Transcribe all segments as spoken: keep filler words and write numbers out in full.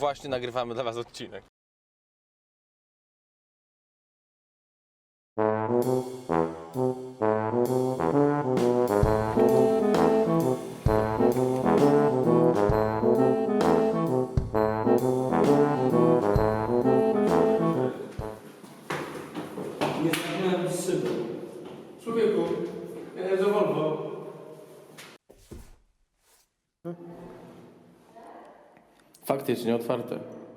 Właśnie nagrywamy dla was odcinek. Nie znałem szyby. Człowieku, ja jeżdżę Volvo. Faktycznie otwarte.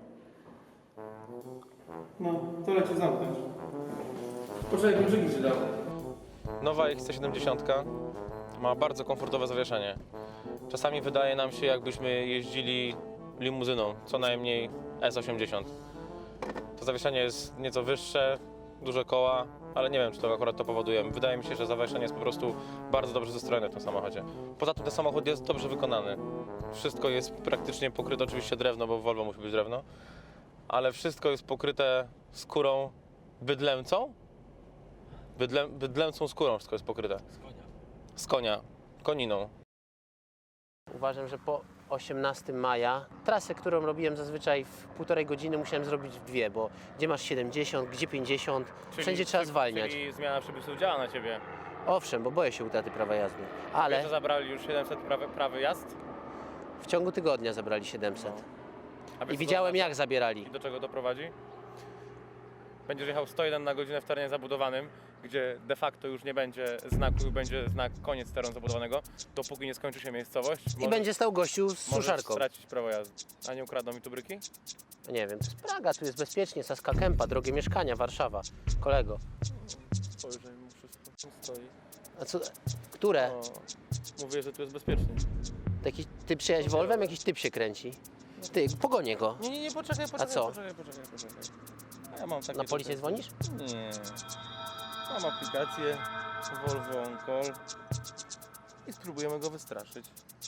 No, to leci zamknąć. Poczekaj, kluczyki ci dał. Nowa X C siedemdziesiąt ma bardzo komfortowe zawieszenie. Czasami wydaje nam się, jakbyśmy jeździli limuzyną, co najmniej S osiemdziesiąt. To zawieszenie jest nieco wyższe, duże koła, ale nie wiem, czy to akurat to powoduje. Wydaje mi się, że zawieszenie jest po prostu bardzo dobrze zestrojone w tym samochodzie. Poza tym ten samochód jest dobrze wykonany. Wszystko jest praktycznie pokryte, oczywiście drewno, bo w Volvo musi być drewno, ale wszystko jest pokryte skórą bydlęcą. Bydlę, bydlęcą skórą wszystko jest pokryte. Z konia. Z konia, koniną. Uważam, że po osiemnastego maja trasę, którą robiłem zazwyczaj w półtorej godziny, musiałem zrobić w dwie, bo gdzie masz siedemdziesiąt, gdzie pięćdziesiąt, wszędzie trzeba zwalniać. Czyli zmiana przepisów działa na ciebie. Owszem, bo boję się utraty prawa jazdy, Wiesz, ale że zabrali już siedemset prawy, prawy jazd? w ciągu tygodnia zabrali siedemset. A wiesz, I co widziałem, to jak zabierali. I do czego to prowadzi? Będziesz jechał sto jeden na godzinę w terenie zabudowanym, gdzie de facto już nie będzie znaku, będzie znak koniec terenu zabudowanego, dopóki nie skończy się miejscowość. I możesz- będzie stał gościu z możesz suszarką. stracić prawo jazdy. A nie ukradną mi tu bryki? Nie wiem, to jest Praga, tu jest bezpiecznie, Saska Kępa, drogie mieszkania, Warszawa. Kolego. Spojrzę mu wszystko tu stoi. A co, które? O, mówię, że tu jest bezpiecznie. Taki, ty przyjechałeś Volvem, jakiś typ się kręci. Ty, pogonię go. Nie, nie, nie, poczekaj, poczekaj, co? poczekaj, poczekaj, poczekaj. A ja mam takie Na policję tutaj- dzwonisz? Nie. Mam aplikację Volvo On Call i spróbujemy go wystraszyć.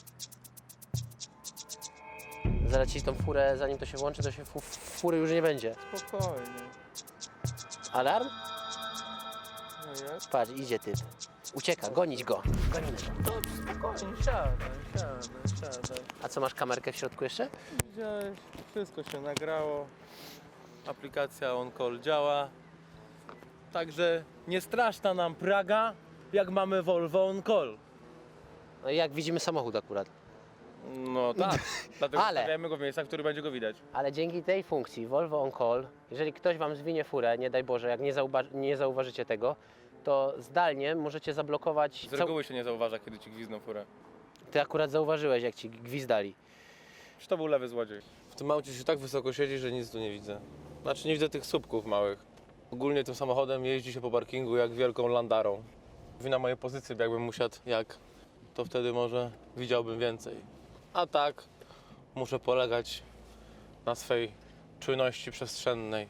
Zaraz ci tą furę, zanim to się włączy, to się fu fury już nie będzie. Spokojnie. Alarm? No jak? Patrz, idzie typ. Ucieka, gonić go. Gonimy go. Dobrze, spokojnie, siadaj, siadaj, siadaj. A co, masz kamerkę w środku jeszcze? Widziałeś, wszystko się nagrało. Aplikacja On Call działa. Także nie straszna nam Praga, jak mamy Volvo On Call. No i jak widzimy samochód akurat. No tak, dlatego Ale- stawiamy go w miejscach, w których będzie go widać. Ale dzięki tej funkcji Volvo On Call, jeżeli ktoś wam zwinie furę, nie daj Boże, jak nie, zauwa- nie zauważycie tego, to zdalnie możecie zablokować... Z reguły się nie zauważa, kiedy ci gwizdną furę. Ty akurat zauważyłeś, jak ci gwizdali. Czy to był lewy złodziej? W tym aucie się tak wysoko siedzi, że nic tu nie widzę. Znaczy nie widzę tych słupków małych. Ogólnie tym samochodem jeździ się po parkingu jak wielką landarą. Wina mojej pozycji, jakbym musiał jak, to wtedy może widziałbym więcej. A tak muszę polegać na swej czujności przestrzennej.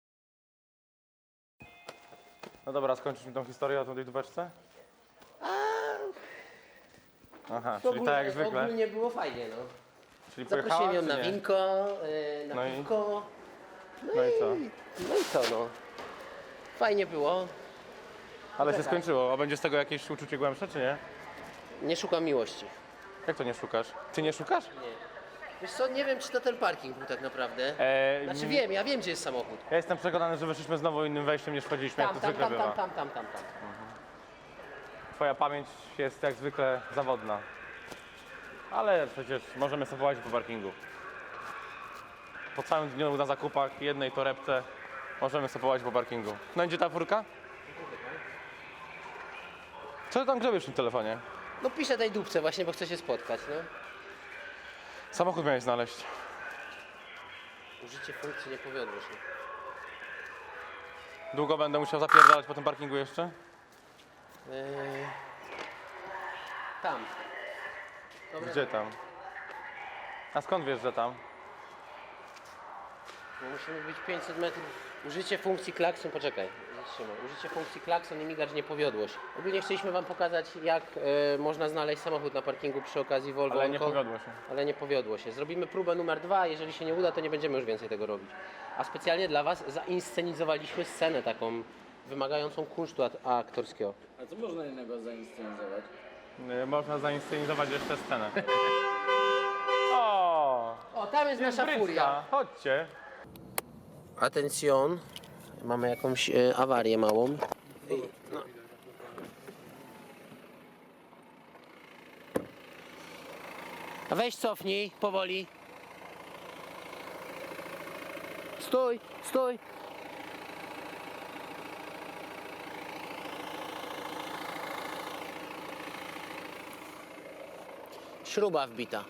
No dobra, skończysz mi tą historię o tej dubeczce? Aha, czyli tak jak zwykle. Ogólnie było fajnie, no. Czyli Zaprosiłem pojechała, ją czy na nie? winko, yy, na No i? piwko. No i co? No i co, no. Fajnie było. Ale się tak. skończyło. A będzie z tego jakieś uczucie głębsze, czy nie? Nie szukam miłości. Jak to nie szukasz? Ty nie szukasz? Nie. Wiesz co, nie wiem, czy to ten parking był tak naprawdę. Eee, Znaczy m- wiem, ja wiem, gdzie jest samochód. Ja jestem przekonany, że wyszliśmy znowu innym wejściem niż wchodziliśmy, Tam, jak to tam, zwykle tam, bywa. tam, tam, tam, tam, tam. Twoja pamięć jest jak zwykle zawodna. Ale przecież możemy sobie połazić po parkingu. Po całym dniu na zakupach, jednej torebce, możemy sobie połazić po parkingu. No idzie ta furka? Co ty tam grzebiesz w tym telefonie? No piszę tej dupce właśnie, bo chcę się spotkać, no. Samochód miałeś znaleźć. Użycie funkcji nie powiodło się. Długo będę musiał zapierdalać po tym parkingu jeszcze? Yy... Tam. Dobra, Gdzie tam? A skąd wiesz, że tam? No musimy być pięćset metrów. Użycie funkcji klakson, poczekaj, zatrzymaj. Użycie funkcji klakson i migacz nie powiodło się. Ogólnie chcieliśmy wam pokazać, jak e, można znaleźć samochód na parkingu przy okazji Volvo. Ale nie On Call. powiodło się. Ale nie powiodło się. Zrobimy próbę numer dwa, jeżeli się nie uda, to nie będziemy już więcej tego robić. A specjalnie dla was zainscenizowaliśmy scenę taką wymagającą kunsztu a- aktorskiego. A co można innego zainscenizować? Y, Można zainscenizować jeszcze scenę. O! O, tam jest nasza furia. Chodźcie. Atencjon, mamy jakąś e, awarię małą. I, no. A weź cofnij, powoli. Stój, stój. Śruba wbita.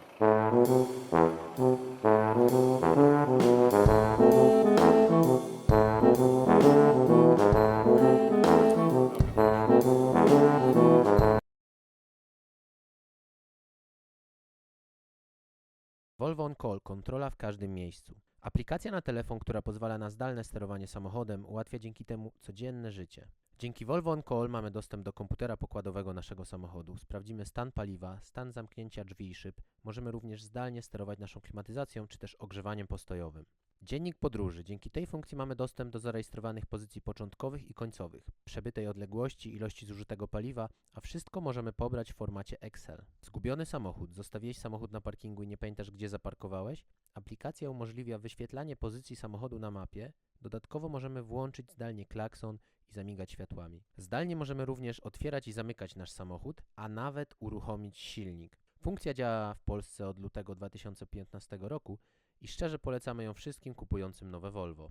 Volvo On Call, kontrola w każdym miejscu. Aplikacja na telefon, która pozwala na zdalne sterowanie samochodem, ułatwia dzięki temu codzienne życie. Dzięki Volvo On Call mamy dostęp do komputera pokładowego naszego samochodu. Sprawdzimy stan paliwa, stan zamknięcia drzwi i szyb. Możemy również zdalnie sterować naszą klimatyzacją czy też ogrzewaniem postojowym. Dziennik podróży. Dzięki tej funkcji mamy dostęp do zarejestrowanych pozycji początkowych i końcowych, przebytej odległości, ilości zużytego paliwa, a wszystko możemy pobrać w formacie Excel. Zgubiony samochód. Zostawiłeś samochód na parkingu i nie pamiętasz, gdzie zaparkowałeś? Aplikacja umożliwia wyświetlanie pozycji samochodu na mapie. Dodatkowo możemy włączyć zdalnie klakson i zamigać światłami. Zdalnie możemy również otwierać i zamykać nasz samochód, a nawet uruchomić silnik. Funkcja działa w Polsce od lutego dwa tysiące piętnastego roku i szczerze polecamy ją wszystkim kupującym nowe Volvo.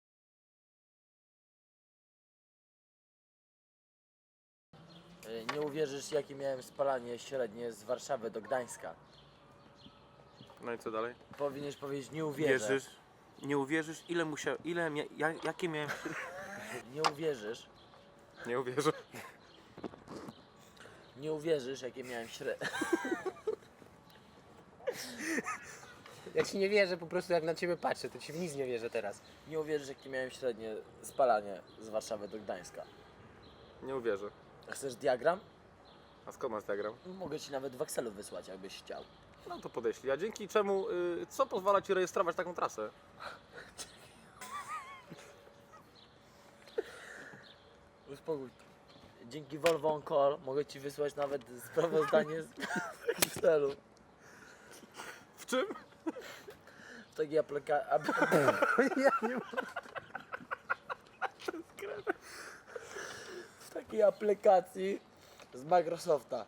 Nie uwierzysz, jakie miałem spalanie średnie z Warszawy do Gdańska. No i co dalej? Powinieneś powiedzieć, nie uwierzę. Wierzysz? Nie uwierzysz, ile musiał, ile, mia, ja, jakie miałem... Nie uwierzysz. Nie uwierzę. Nie uwierzysz, jakie miałem średnie. Ja ci nie wierzę, po prostu jak na ciebie patrzę, to ci w nic nie wierzę teraz. Nie uwierzysz, jakie miałem średnie spalanie z Warszawy do Gdańska. Nie uwierzę. A chcesz diagram? A skąd masz diagram? Mogę ci nawet w Excelu wysłać, jakbyś chciał. No to podeślij. A dzięki czemu, y, co pozwala ci rejestrować taką trasę? Uspokój. Dzięki Volvo On Call mogę ci wysłać nawet sprawozdanie z Excelu. W czym? W takiej aplikacji. W takiej aplikacji z Microsofta.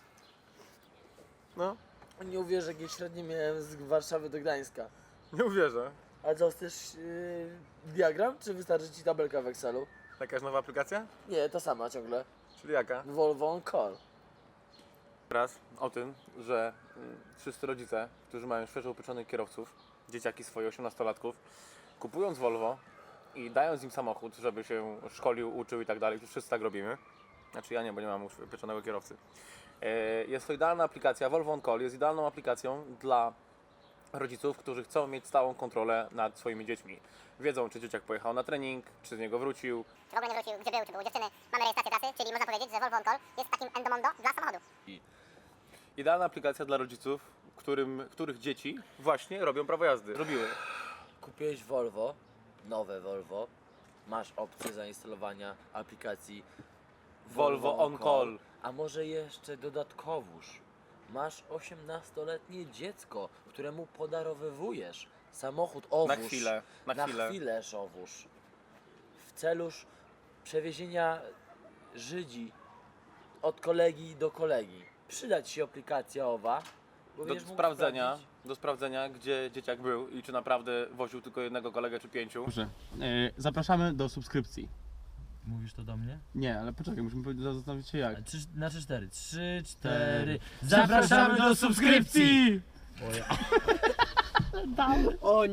No, Nie uwierzysz, jakie średnie miałem z Warszawy do Gdańska. nie uwierzę. Ale co, chcesz yy, diagram, czy wystarczy ci tabelka w Excelu? Jakaś nowa aplikacja? Nie, ta sama ciągle. Czyli jaka? Volvo On Call. Raz o tym, że mm, wszyscy rodzice, którzy mają świeżo upieczonych kierowców, dzieciaki swoje osiemnastolatków, kupując Volvo i dając im samochód, żeby się szkolił, uczył i tak dalej, wszyscy tak robimy. Znaczy ja nie, bo nie mam już upieczonego kierowcy. E, Jest to idealna aplikacja, Volvo On Call jest idealną aplikacją dla rodziców, którzy chcą mieć stałą kontrolę nad swoimi dziećmi. Wiedzą, czy dzieciak pojechał na trening, czy z niego wrócił. Czy w ogóle nie wrócił, gdzie był, czy był u dziewczyny. Mamy rejestrację trasy, czyli można powiedzieć, że Volvo On Call jest takim endomondo dla samochodu. Idealna aplikacja dla rodziców, którym, których dzieci właśnie robią prawo jazdy. Robiły. Kupiłeś Volvo, nowe Volvo. Masz opcję zainstalowania aplikacji Volvo On Call. A może jeszcze dodatkowóż. Masz osiemnastoletnie dziecko, któremu podarowywujesz samochód owóz. Na chwilę, na Na chwilę. chwilę owóz. W celu przewiezienia Żydzi od kolegi do kolegi. Przyda ci się aplikacja owa. Bo Do będziesz mógł sprawdzenia, sprawdzić. do sprawdzenia, gdzie dzieciak był i czy naprawdę woził tylko jednego kolegę czy pięciu. Dobrze. E, zapraszamy do subskrypcji. Mówisz to do mnie? Nie, ale poczekaj, musimy zastanowić się jak. Trzy, na trzy, cztery. Trzy, Cztery. cztery. Zapraszamy do subskrypcji! O